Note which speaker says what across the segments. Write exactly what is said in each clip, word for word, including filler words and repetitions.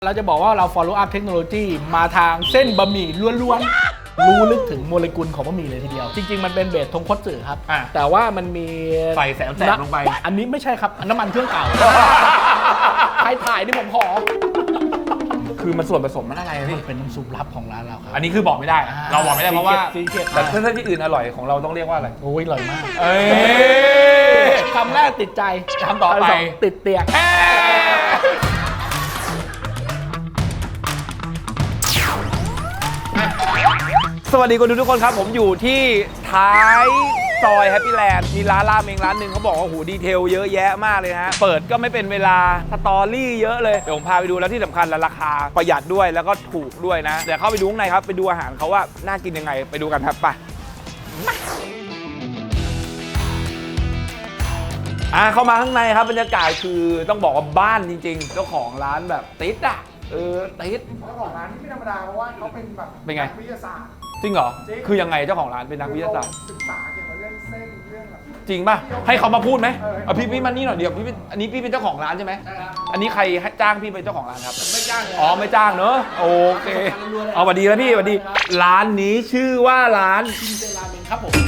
Speaker 1: เราจะบอกว่าเรา follow up เทคโนโลยีมาทางเส้นบะหมี่ล้วนๆรู้ลึกถึงโมเลกุลของบะหมี่เลยทีเดียวจริงๆมันเป็นเบสทงคัตสึครับแต่ว่ามันมี
Speaker 2: ใส่แสงแสงลงไป
Speaker 1: อันนี้ไม่ใช่ครับน้ำมันเครื่องเก่าใครถ่ายนี่ผมขอ
Speaker 2: คือมันส่วนผสมมันอะไรพี่
Speaker 1: เป็นน้ำซุปลับของร้านเราครับ
Speaker 2: อันนี้คือบอกไม่ได้เราบอกไม่ได้เพราะว่าแต่ถ้าที่อื่นอร่อยของเราต้องเรียกว่าอะไร
Speaker 1: โอ้ยอร่อยมาก
Speaker 2: เอ้
Speaker 1: ยคำแรกติดใจ
Speaker 2: คำต่อไป
Speaker 1: ติดเตียง
Speaker 2: สวัสดีคนดูทุกคนครับผมอยู่ที่ท้ายซอยแฮปปี้แลนด์มีร้านราเมงร้านหนึ่งเขาบอกว่าหูดีเทลเยอะแยะมากเลยฮะเปิดก็ไม่เป็นเวลาสตอรี่เยอะเลยเดี๋ยวผมพาไปดูแล้วที่สำคัญราคาประหยัดด้วยแล้วก็ถูกด้วยนะเดี๋ยวเข้าไปดูข้างในครับไปดูอาหารเขาว่าน่ากินยังไงไปดูกันครับไปอ่ะเข้ามาข้างในครับบรรยากาศคือต้องบอกว่าบ้านจริงๆเจ้าของร้านแบบติดอ่ะเออติด
Speaker 3: เจ้าของร้านที่ไม่ธรรมดาเพราะว่าเขาเป็นแบบ
Speaker 2: เป็นไง
Speaker 3: วิทยาศาสตร์
Speaker 2: จริงเหรอคือยังไงเจ้าของร้านเป็นนักวิทยาศาสตร์
Speaker 3: ศึกษาเกี่ยวกับเรื่องเส้นเรื่องแบบ
Speaker 2: จริงป่ะให้เขามาพูดไหมเอาพี่พี่มานี่หน่อยเดียวพี่อันนี้พี่เป็นเจ้าของร้านใช่ไหมอันนี้ใครจ้างพี่เป็นเจ้าของร้านครับ
Speaker 1: ไม่จ้างเลย
Speaker 2: อ๋อไม่จ้างเนอะโอเคเอาสวัสดีแล้วพี่สวัสดีร้านนี้ชื่อว่าร้าน
Speaker 1: ชินเซราเมงครับผม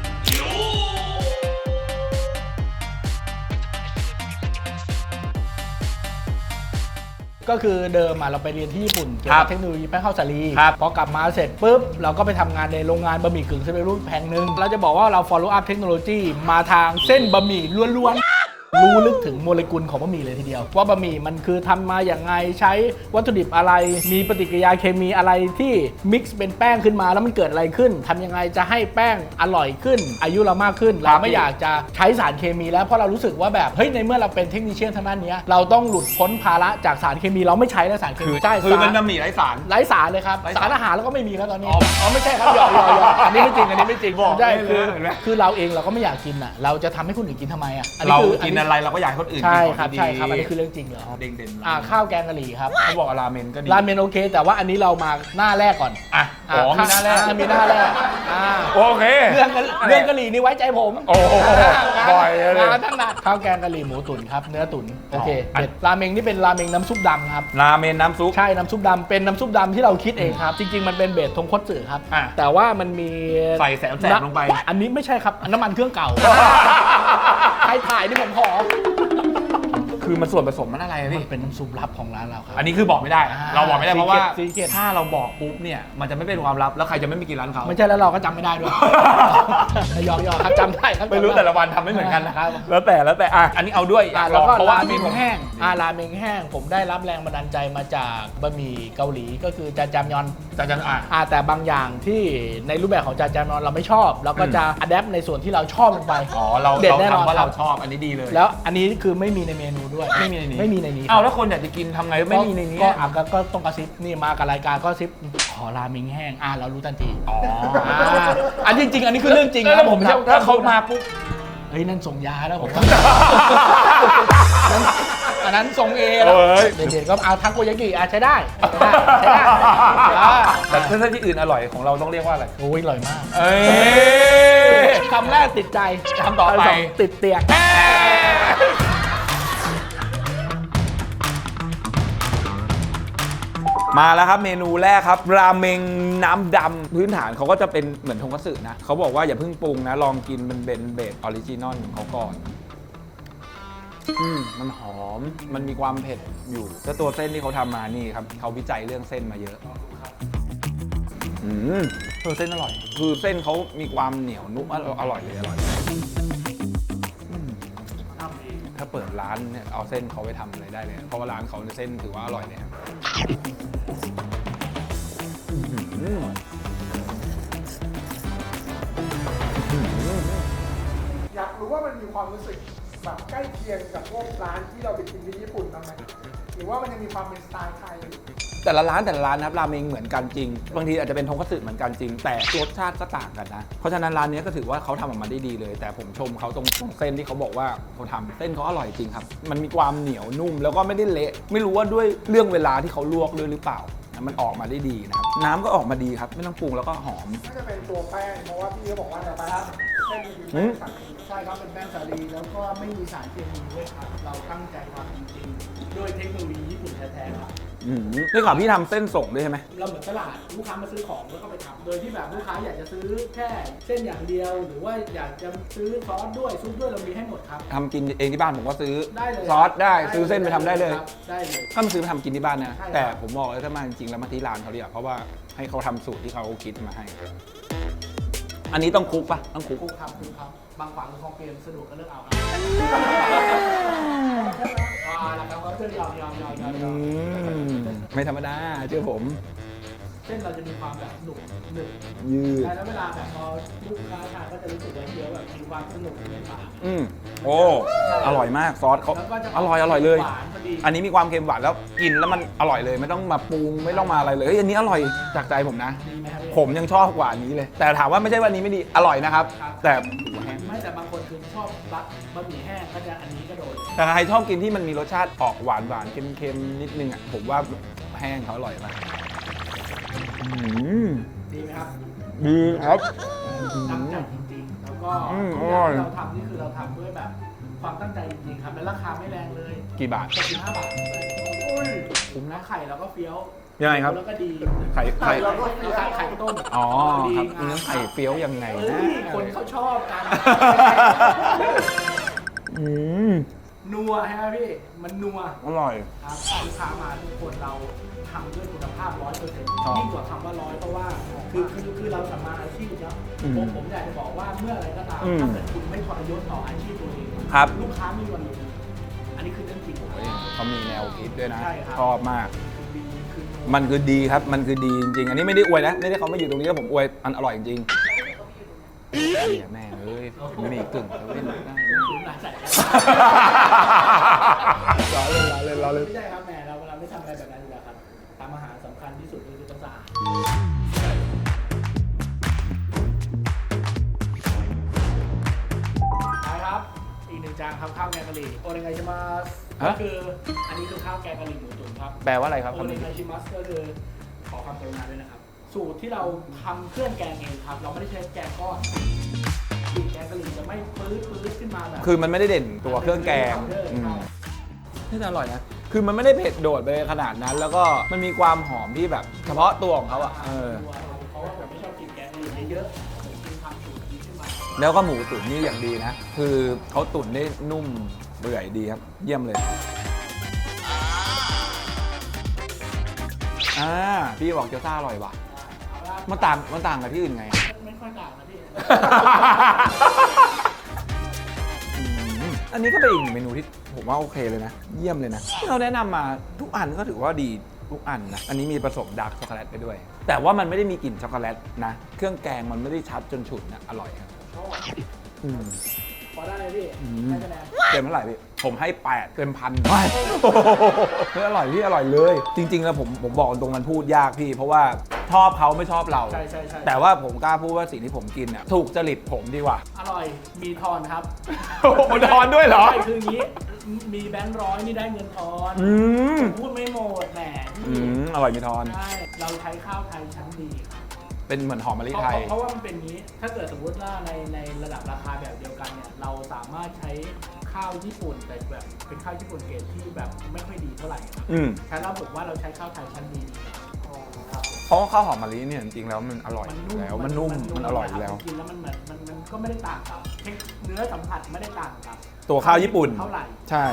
Speaker 1: ก็คือเดิมเราไปเรียนที่ญี่ปุ่นเกี่ยวกับเทคโนโลยีแป้งข้าวสาลีพอกลับมาเสร็จปุ๊บเราก็ไปทำงานในโรงงานบะหมี่กึ่งสำเร็จรูปแห่งหนึ่งเราจะบอกว่าเรา follow up เทคโนโลยีมาทางเส้นบะหมี่ล้วนๆรู้ลึกถึงโมเลกุลของบะหมี่เลยทีเดียวว่าบะหมี่มันคือทำมาอย่างไงใช้วัตถุดิบอะไรมีปฏิกิริยาเคมีอะไรที่มิกซ์เป็นแป้งขึ้นมาแล้วมันเกิดอะไรขึ้นทำยังไงจะให้แป้งอร่อยขึ้นอายุเรามากขึ้นเราไม่อยากจะใช้สารเคมีแล้วเพราะเรารู้สึกว่าแบบเฮ้ยในเมื่อเราเป็นเทคนิคเชียนทางด้านนี้เราต้องหลุดพ้นภาระจากสารเคมีเราไม่ใช้แล้วสารเคมี
Speaker 2: ใช่คือมันบะหมี่ไร้สาร
Speaker 1: ไร้สารเลยครับสารอาหารเราก็ไม่มีแล้วตอนนี้อ๋อไม่ใช่ครับหยอกหยอกหยอกอันนี้ไม่จริงอันนี้ไม่จริง
Speaker 2: บอก
Speaker 1: ใช่คือคือเราเองเราก็ไม่อยากกินอ่ะเราจะทำให้คนอื่นกินทำไมอ่ะ
Speaker 2: เรากินอะไรเราก็อยากให้คนอื่น
Speaker 1: ใช่ครับใช่ครับอันนี้คือเรื่องจริงเหรอ
Speaker 2: เด่นเด่น
Speaker 1: อ่าข้าวแกงกะหรี่ครับ
Speaker 2: เขาบอกราเมนก็ดี
Speaker 1: ราเมนโอเคแต่ว่าอันนี้เรามาหน้าแรกก่อน
Speaker 2: อ่ะอ๋อมีหน้าแรก
Speaker 1: มีหน้าแรกอ่า
Speaker 2: โอเค
Speaker 1: เรื่องเรื่องกะหรี่นี่ไว้ใจผม
Speaker 2: โอ้บ่อยเลย
Speaker 1: มาตั้งนานข้าวแกงกะหรี่หมูตุ๋นครับเนื้อตุ๋นโอเคเด็ดราเมงนี่เป็นราเมงน้ำซุปดำครับ
Speaker 2: ราเมนน้ำซุป
Speaker 1: ใช่น้ำซุปดำเป็นน้ำซุปดำที่เราคิดเองครับจริงๆมันเป็นเบสทงคัตสึครับแต่ว่ามันมี
Speaker 2: ใส่แสงแสงลงไป
Speaker 1: อันนี้ไม่ใช่ครับน้ำมันเครื่องเก่าใครถ่ายนี่ผมขอ
Speaker 2: คือมันส่วนผสมมันอะไรพี่
Speaker 1: มันเป็นน้ำซุปลับของร้านเราครับ
Speaker 2: อันนี้คือบอกไม่ได้เราบอกไม่ได้เพราะว่าถ้าเราบอกปุ๊บเนี่ยมันจะไม่เป็นความลับแล้วใครจะไม่ไปกินร้านเขา
Speaker 1: ไม่ใช่แล้วเราก็จำไม่ได้ด้วยยอกๆครับจำได้ครับ
Speaker 2: ไม่รู้แต่ละวันทำไม่เหมือนกันนะครับแล้วแต่แล้วแต่อ่ะอันนี้เอาด้วย
Speaker 1: แล้วก็ราเมงแห้งอ่าราเมงแห้งผมได้รับแรงบันดาลใจมาจากบะหมี่เกาหลีก็คือจาจามยอน
Speaker 2: จาจามอ่ะ
Speaker 1: อ่าแต่บางอย่างที่ในรูปแบบของจาจามยอนเราไม่ชอบเราก็จะอัดแอปในส่วนที่เราชอบลงไป
Speaker 2: อ๋อเราเด็ดแน่นอนว่าเราชอบอันนี้ดีเลย
Speaker 1: แล้วอันนี้คือไม่มีในเมนูด้วย
Speaker 2: ไม่มีในนี้
Speaker 1: ไม่มีในนี้
Speaker 2: อ้าวแล้วคนอยากจะกินทำไงไม่มีในนี้
Speaker 1: ก็อ่ะก็ต้องกระซิบนี่มากับรายการก็ซิบขอราเมงแห้งอ่ะเรารู้ทันที
Speaker 2: อ๋อ
Speaker 1: อันจริงๆอันนี้คือเรื่องจริง
Speaker 2: นะผมถ้าเขามาปุ๊บ
Speaker 1: เฮ้ยนั่นส่งยาแล้วผมอันนั้นส่งเอแล้วเด็กๆก็เอาทักโกยากิอ่ะใช้ได้ใช้ได้
Speaker 2: แต่ถ้าที่อื่นอร่อยของเราต้องเรียกว่าอะไร
Speaker 1: โอ้ยอร่อยมาก
Speaker 2: เอ้
Speaker 1: ยคำแรกติดใจ
Speaker 2: คำต่อไป
Speaker 1: ติดเตียง
Speaker 2: มาแล้วครับเมนูแรกครับราเมงน้ำดำพื้นฐานเขาก็จะเป็นเหมือนทงคัตสึนะเขาบอกว่าอย่าเพิ่งปรุงนะลองกินเป็นเบนเบสออริจินอลของเขาก่อนอืมมันหอมมันมีความเผ็ดอยู่แล้วตัวเส้นที่เขาทำมานี่ครับเขาวิจัยเรื่องเส้นมาเยอะอืมตัวเส้นอร่อยคือเส้นเขามีความเหนียวนุ่มอร่อยเลยอร่อยถ้าเปิดร้านเนี่ยเอาเส้นเขาไปทำอะไรได้เลยเพราะว่าร้านเขาเส้นถือว่าอร่อยเลยครับ
Speaker 3: อยากรู้ว่ามันมีความรู้สึกแบบใกล้เคียงกับพวกร้านที่เราไปกินที่ญี่ปุ่นบ้างไหมหรือว่ามันยังมีความเป็นสไตล์ไทย
Speaker 2: แต่ละร้านแต่ละร้านนะครับราเมงเหมือนกันจริงบางทีอาจจะเป็นทงคัตสึเหมือนกันจริงแต่รสชาติก็ต่างกันนะเพราะฉะนั้นร้านนี้ก็ถือว่าเขาทำออกมาได้ดีเลยแต่ผมชมเขาตรงเส้นที่เขาบอกว่าเขาทำเส้นเขาอร่อยจริงครับมันมีความเหนียวนุ่มแล้วก็ไม่ได้เละไม่รู้ว่าด้วยเรื่องเวลาที่เขาลวกด้วยหรือเปล่ามันออกมาได้ดีนะครับน้ำก็ออกมาดีครับไม่ต้องปรุงแล้วก็หอม
Speaker 3: ก็จะเป็นตัวแป้งเพราะว่าพี่เขาบอกว่าแต่ปลาเส้นคือแป้งสาลีใช่ครับเป็นแป้งสาลีแล้วก็ไม่มีสารเคมีด้วยครับเราตั้งใจทำจริงๆด้วยเทคโนโลยีญี่ปุ่นแท้ๆครับ
Speaker 2: อืมได้ข่าวพี่ทำเส้นส่งด้วยใช่ไหม
Speaker 1: เราเหมือนตลาดลูกค้ามาซื้อของแล้วก็ไปทำโดยที่แบบลูกค้าอยากจะซื้อแค่เส้นอย่างเดียว หรือว่าอยากจะซื้อซอสด้วยซุปด้วยเรามีให้หมดครับ
Speaker 2: ทำกินเองที่บ้านผมก็ซื้อ
Speaker 1: ได้เลย
Speaker 2: ซอสได้ซื้อเส้นไปทำได้เลย
Speaker 1: ครับได้เลย
Speaker 2: ถ้ามาซื้อไปทำกินที่บ้านนะ
Speaker 1: ใช่ครับ
Speaker 2: แต่ผมบอกเลยถ้ามาจริงๆแล้วมาที่ร้านเขาดีกว่าเพราะว่าให้เขาทำสูตรที่เขาคิดมาให้ อันนี้ต้องคลุกปะต้องคลุก
Speaker 1: ครูครับครูครับบางขวางหรือคลองเปรมสะดวกก็เลือกเอาครับอ่าแล้วครับก็เพื่อนยอมยอมยอมยอมย
Speaker 2: อื
Speaker 1: อม
Speaker 2: มไม่ธรรมดาเชื่อผม
Speaker 1: เส้นเราจะมีความแบบหนุบหนึบ
Speaker 2: ยืด
Speaker 1: แล้วเวลาแบบพอลูกค้าทานก็จะรู้สึกว่าเคี้ยวแบบมีความสนุกในปาก
Speaker 2: อืมโอ้อร่อยมากซอสเขา
Speaker 1: แล้วก็จะ
Speaker 2: อร่อยอร่อยเลย
Speaker 1: หวานพอดี
Speaker 2: อันนี้มีความเค็มหวานแล้วกินแล้วมันอร่อยเลยไม่ต้องมาปรุงไม่ต้องมาอะไรเลยเฮ้ยอันนี้อร่อยจากใจผมนะ
Speaker 1: ดีไหมครับพี่
Speaker 2: ผมยังชอบกว่าอันนี้เลย แต่ถามว่าไม่ใช่ว่าอันนี้ไม่ดีอร่อยนะครับ
Speaker 1: ครับ
Speaker 2: แต่หัวแห้ง
Speaker 1: ไม่แต่บางคนคือชอบบักบะหมี่แห้งก็จะอันนี้ก็โดน
Speaker 2: แต่ใครชอบกินที่มันมีรสชาติออกหวานหวานๆเค็มๆนิดนึงอ่ะผมว่าแห้งเขาอร่อยมากอืม
Speaker 1: ดีไหมครับ
Speaker 2: ดีครับ
Speaker 1: ตั้งใจจริงๆ แล้วก็
Speaker 2: อืม
Speaker 1: ทุกอย่าง
Speaker 2: อร่อย
Speaker 1: ที่เราทำนี่คือเราทำด้วยแบบความตั้งใจจริงๆครับและราคาไม่แรงเลย
Speaker 2: กี่บาท
Speaker 1: เจ็ดสิบห้าบาทอุ้ย
Speaker 2: คุ้ม
Speaker 1: แล้
Speaker 2: นะ
Speaker 1: วไข่เราก็เฟี้ยว
Speaker 2: ยังไงครับ
Speaker 1: แล้วก็ดี
Speaker 2: ไข่ไข่
Speaker 1: เราก็ไข่ไข่ต้ม
Speaker 2: อ๋อ
Speaker 1: ดี
Speaker 2: ครับ
Speaker 1: งาม
Speaker 2: เนื้อไข่เฟี้ยวยังไง
Speaker 1: เอ้
Speaker 2: นะ
Speaker 1: ยคนเขาชอบกัน
Speaker 2: อืม
Speaker 1: นัวใช่ไหมพี่ มันนัว
Speaker 2: อร่อย
Speaker 1: ครับลูกค้ามาทุกคนเราทำด้วยคุณภาพร้อยเปอร์เซ็นต์
Speaker 2: ชอบ
Speaker 1: ยิ่งกว่าคำว่าร้อยเพราะว่าคือคือคือเราทำมาอาชีพเนาะ
Speaker 2: อืม
Speaker 1: ผมผมอยากจะบอกว่าเมื่ออะไรก็ตาม
Speaker 2: อืม
Speaker 1: ถ้าเกิดคุณไม่ทรยศต่ออาชีพตัวเอง
Speaker 2: ครับ
Speaker 1: ลูกค้าไม่มีวันรู้อันนี้คือเรื่องจริง
Speaker 2: โอ้ยเขามีแนวคิดด้วยนะ
Speaker 1: ใช่ครับ
Speaker 2: ชอบมาก
Speaker 1: คือดีคือ
Speaker 2: มันคือดีครับ มันคือดีจริงๆ อันนี้ไม่ได้อวยนะ ไม่ได้เขามาอยู่ตรงนี้แล้วผมอวย มันอร่อยจริงๆเนี่ยแม่เอ้ยไม่มีกึ่งจะเล่นได้ไหม
Speaker 1: คุณหลายใจ
Speaker 2: รอเล่นรอเล่นรอเล่น
Speaker 1: ไม่ใช่ครับแหมเราเราไม่ทำอะไรแบบนั้นอยู่แล้วครับทำอาหารสำคัญที่สุดคือต้องสะอาดไปครับอีกหนึ่งจานครับข้าวแกงกะหรี่โอเนไงชิมัสก็คืออันนี้คือข้าวแกงกะหรี่หมูตุ๋นครับ
Speaker 2: แปลว่าอะไรครับ
Speaker 1: โอ
Speaker 2: คำ
Speaker 1: เน
Speaker 2: นี้
Speaker 1: ไงชิมัสก็คือขอความกรุณาด้วยนะครับ สูตรที่เราทำเครื่องแกงเองครับ เราไม่ได้ใช้แกงก้อนกลิ่นแกงกะหรี่จะไม่ปื๊ดปื๊ดขึ้นมาแบบ
Speaker 2: คือมันไม่ได้เด่นตัวเครื่องแกงอืมนี่อร่อยนะ คือมันไม่ได้เผ็ดโดดไปขนาดนั้น แล้วก็มันมีความหอมที่แบบเฉพาะตัวของเขาอ่ะ เออ
Speaker 1: เพราะว่าผมไม่ชอบกินแกงกะหรี่เยอะๆผมกินทำสูตรนี้ขึ้นมา
Speaker 2: แล้วก็หมูตุ๋นนี่อย่างดีนะ คือเขาตุ๋นได้นุ่มเปื่อยดีครับ เยี่ยมเลย อ่า พี่บอกเกี๊ยวซ่าอร่อยว่ะ
Speaker 1: เอาละ
Speaker 2: มันต่าง มันต่างกับที่อื่นไง
Speaker 1: ไม่ค่อยต่างนะพี่
Speaker 2: อืมอันนี้ก็เป็นอีกหนึ่งเมนูที่ผมว่าโอเคเลยนะ เยี่ยมเลยนะ ที่เราแนะนำมาทุกอันก็ถือว่าดีทุกอันนะ อันนี้มีผสมดาร์กช็อกโกแลตไปด้วย แต่ว่ามันไม่ได้มีกลิ่นช็อกโกแลตนะ เครื่องแกงมันไม่ได้ชัดจนฉุนนะ อร่อยครับ
Speaker 1: ชอบ
Speaker 2: อืม
Speaker 1: พอได้เลยพี่
Speaker 2: อืม
Speaker 1: ให้คะแนน
Speaker 2: เต็มเท่าไหร่พี่ ผมให้แปดเต็มพันไม่เฮ้ยอร่อยพี่อร่อยเลย จริง ๆ แล้วผมผมบอกตรงมันพูดยากพี่ เพราะว่าชอบเขาไม่ชอบเรา
Speaker 1: ใช่ใช่ใช่
Speaker 2: แต่ว่าผมกล้าพูดว่าสิ่งที่ผมกินเนี่ยถูกจริตผมดีกว่า
Speaker 1: อร่อย มีทอนครับ
Speaker 2: โอ้โหทอนด้วยเหรอ
Speaker 1: ใช่คืออย่างนี้ มีแบงค์ร้อยนี่ได้เงินทอน
Speaker 2: อืม
Speaker 1: พูดไม่หมดแหม
Speaker 2: อืมอร่อยมีทอน
Speaker 1: ใช่ เราใช้ข้าวไทยชั้นดีครับ
Speaker 2: เป็นเหมือนหอมมะลิ
Speaker 1: เพราะ
Speaker 2: ไทย
Speaker 1: เพราะว่ามันเป็นอย่างนี้ ถ้าเกิดสมมติว่าในในระดับราคาแบบเดียวกันเนี่ย เราสามารถใช้ข้าวญี่ปุ่นแต่แบบเป็นข้าวญี่ปุ่นเกรดที่แบบไม่ค่อยดีเท่าไหร่ครับ
Speaker 2: อืม
Speaker 1: ฉะนั้นผมว่าเราใช้ข้าวไทยชั้นดีดีกว่าครับ
Speaker 2: เพราะว่าข้าวหอมมะลิเนี่ยจริงๆแล้วมันอร่อยอยู่แล้ว มันนุ่ม มันอร่อยอยู่แล้ว
Speaker 1: กินแล้วมันเหมือนมันมันก็ไม่ได้ต่างกับเทคเนื้อสัมผัสไม่ได้ต่างกับ
Speaker 2: ตัวข้าวญี่ปุ่น
Speaker 1: เท่าไหร่
Speaker 2: ใช่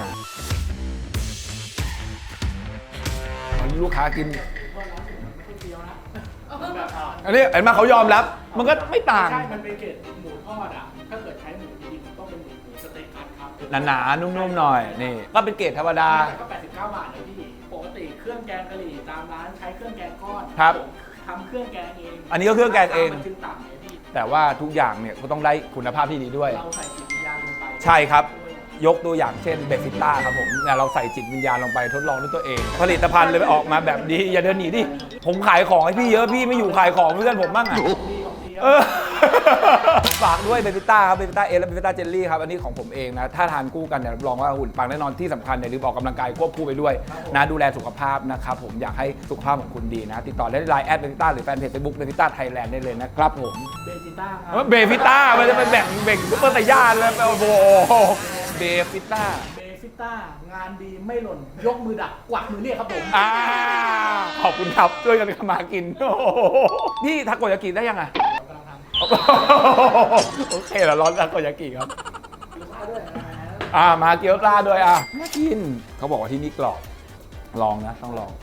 Speaker 2: ลูกค้ากิน
Speaker 1: เพราะร้านอื่นมันไม่ค่อยเฟี้ยวนะมันแบบอ่ะ
Speaker 2: อันนี้เห็นไหมเขายอมรับ มันก็ไม่ต่าง
Speaker 1: ใช่ มันเป็นเกรดหมูทอดอ่ะ ถ้าเกิดใช้หมูดีๆมันต้องเป็นหมูหมูสเต็กคัทครับ
Speaker 2: หนาๆ นุ่มๆ หน่อย นี่ ก็เป็นเกรดธรรมดา
Speaker 1: แต่ก็แปดสิบเก้าบาทนะพี่ ปกติเครื่องแกงกะหรี่ตามร้านใช้เครื่องแกงก้อน
Speaker 2: ครับ
Speaker 1: ผมทำเครื่องแกงเอง
Speaker 2: อันนี้ก็เครื่องแกงเอง
Speaker 1: มันจึงต่ำเลยพี่
Speaker 2: แต่ว่าทุกอย่างเนี่ยก็ต้องได้คุณภาพที่ดีด้วย
Speaker 1: เราใส่จิตวิญญาณลงไป
Speaker 2: ใช่ครับ ยกตัวอย่างเช่นเบฟิต้าครับผมเนี่ยเราใส่จิตวิญญาณลงไปทดลองด้วยตัวเอง ผลิตภัณฑ์เลยไปออกมาแบบดี อย่าเดินหนีดิ ผมขายของให้พี่เยอะพี่ไม่อยู่ขายของเพื่อนผมบ้างอ่ะ
Speaker 1: ดีของดี
Speaker 2: เออ ฝากด้วยเบฟิต้าครับเบฟิต้าเอและเบฟิต้าเจลลี่ครับ อันนี้ของผมเองนะ ถ้าทานคู่กันเนี่ยรับรองว่าหุ่นปังแน่นอนที่สำคัญเนี่ยลืมออกกำลังกายควบคู่ไปด้วยนะดูแลสุขภาพนะครับผมอยากให้สุขภาพของคุณดีนะ ติดต่อได้ที่ไลน์แอดเบฟิต้าหรือแฟนเพจเฟซบุ๊กเบฟิต้าไทยแลนด์ได้เลยนะครับผม
Speaker 1: เบจิต้าครั
Speaker 2: เบฟิต้ามันจะเป็นแบ่งเบ่งซุปเปอร์ไซย่าเลยโอ้โหเบฟิต้า
Speaker 1: เบฟิต้างานดีไม่หล่นยกมือดักกวักมือเรียกครับผม
Speaker 2: อ่าขอบคุณครับช่วยกันทำมากินโอ้โหพี่ทาโกยากิได้ยังไง
Speaker 1: เรากำลังทำ
Speaker 2: โอเคแล้วร้อนทาโกยากิครับ
Speaker 1: กินข้าวด้วยนะ
Speaker 2: อ่ามาเกี๊ยวปลาด้วยอ่ะน่ากินเขาบอกว่าที่นี่กรอบลองนะต้องลอง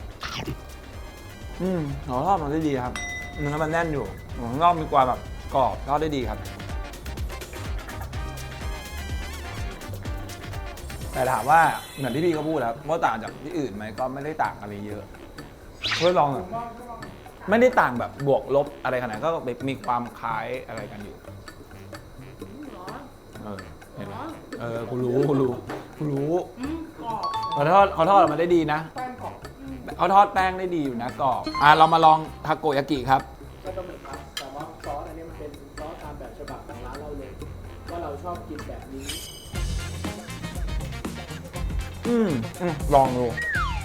Speaker 2: อืมหอทอดมันได้ดีครับเนื้อมันแน่นอยู่ข้างนอกมีความแบบกรอบทอดได้ดีครับแต่ถามว่าเหมือนที่พี่เขาพูดครับว่าต่างจากที่อื่นไหมก็ไม่ได้ต่างอะไรเยอะเพื่อลองอะไม่ได้ต่างแบบบวกลบอะไรขนาดนั้นก็มีความคล้ายอะไรกันอยู่เออเห็นไหมเออกูรู้กูรู้กูรู้
Speaker 1: อืมกรอบ
Speaker 2: เขาทอดเขาทอดออกมาได้ดีนะ
Speaker 3: แป้งกรอบ
Speaker 2: เขาทอดแป้งได้ดีอยู่นะกรอบอ่ะเรามาลองทาโกยากิครับ
Speaker 1: ก็ต้องเหมือนครับแต่ว่าซอสอันนี้มันเป็นซอสตามแบบฉบับของร้านเราเลยว่าเราชอบกินแบบนี้
Speaker 2: อืมอืมลองดู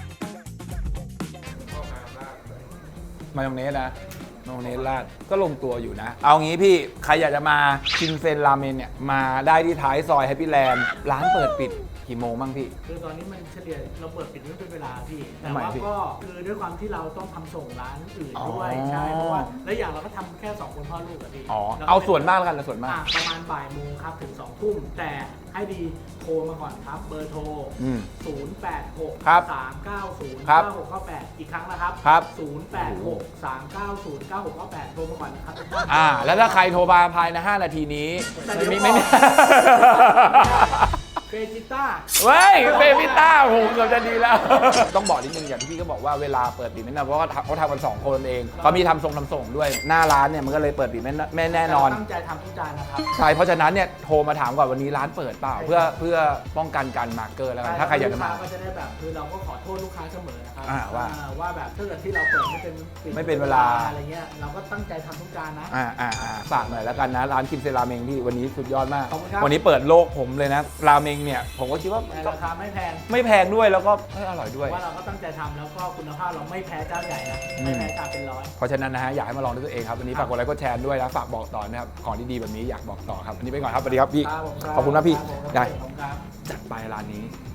Speaker 2: มายองเนสนะมายองเนสราดก็ลงตัวอยู่นะ เอางี้พี่ใครอยากจะมาชินเซนราเมนเนี่ยมาได้ที่ท้ายซอยแฮปปี้แลนด์ร้านเปิดปิดกี่โมงบ้างพี่
Speaker 1: คือตอนนี้มันเฉลี่ยเราเปิดปิดไม่เป็นเวลาพี่ แต่
Speaker 2: ทำไม
Speaker 1: ว่า
Speaker 2: พี่
Speaker 1: ก็คือด้วยความที่เราต้องทำส่งร้านอื่น
Speaker 2: อ๋อ
Speaker 1: ด้วยใช่เพราะว่าและอย่างเราก็ทำแค่สองคนพ่อลูกอะพี่
Speaker 2: อ๋อ
Speaker 1: รก็
Speaker 2: เอาส่วนมากแล้วกันนะส่วนมาก
Speaker 1: อ่ะประมาณบ่ายโมงครับถึงสองทุ่มแต่ให้ดีโทรมาก่อนครับ เบอร์โทร
Speaker 2: อืม
Speaker 1: ศูนย์ แปด หก
Speaker 2: ครับ
Speaker 1: สาม เก้า ศูนย์
Speaker 2: ครับ
Speaker 1: เก้า หก เก้า แปดอีกครั้งนะครับ
Speaker 2: ครับ
Speaker 1: ศูนย์ แปด หก สาม เก้า ศูนย์ เก้า หก เก้า แปดโทรมาก่อนนะครับ
Speaker 2: อ่า แล้วถ้าใครโทรมาภายในห้านาทีนี้
Speaker 1: แต่เดี๋ยว
Speaker 2: ไม่ไม่ไม่
Speaker 1: เฟจิต้า
Speaker 2: เว้ยเบบิต้าโหเกือบจะดีแล้ว ต้องบอกนิดนึงอย่างที่พี่ก็บอกว่าเวลาเปิดปิดไม่แน่เพราะว่าเขาทำกันสองคนเองเขามีทำส่งทำส่งด้วยหน้าร้านเนี่ยมันก็เลยเปิดปิดไม่ไม่แน่นอน
Speaker 1: ตั้งใจทำทุกจานนะครับ
Speaker 2: ใช่เพราะฉะนั้นเนี่ยโทรมาถามก่อนวันนี้ร้านเปิดเปล่า เพื่อเพื่อป้องกันการมาร์กเกอร์แล้วกันถ้าใครอยากจะมา
Speaker 1: ลูค้ก็จะได้แบบคือเราก็ขอโทษลูกค้าเสมอนะครับ
Speaker 2: อ่าว่า
Speaker 1: อ่ว่าแบบถ้าเกิดที่เราเปิดไม่เป็นปิด
Speaker 2: ไม่เป็นเวลา
Speaker 1: อะไรเงี้ยเราก็ตั้งใจทำทุกจานนะ
Speaker 2: อ่าอ่าอ่าฝากหน่อยแล้วกันนะร้านคิมเซราเมงที่วันนี้สุดยอดมาก
Speaker 1: ขอบคุณครับ
Speaker 2: วันนี้เปิดโลกผมเลยนะราเมงเนี่ยผมก็คิดว่า
Speaker 1: ในราคาไม่แพง
Speaker 2: ไม่แพงด้วยแล้วก็เอ้ยอร่อยด้วย
Speaker 1: ว่าเราก็ตั้งใจทำแล้วก็คุณภาพเราไม่แพ้เจ้าใหญ่นะ
Speaker 2: อืม
Speaker 1: ไม่แพ้จานเป็นร้อย
Speaker 2: เพราะฉะนั้นนะฮะอยากให้มาลองด้วยตัวเองครับวันนี้ฝากกดไลค์กดแชร์ด้วยนะฝากบอกต่อนะครับของดีๆแบบนี้อยากบอกต่อครับวันนี้ไปก่อนครับสวัสดีครับพี่
Speaker 1: ครับผม
Speaker 2: ขอบคุณมากพี่
Speaker 1: ครับผม
Speaker 2: ได้
Speaker 1: ขอบคุณครับ
Speaker 2: จัดไปร้านนี้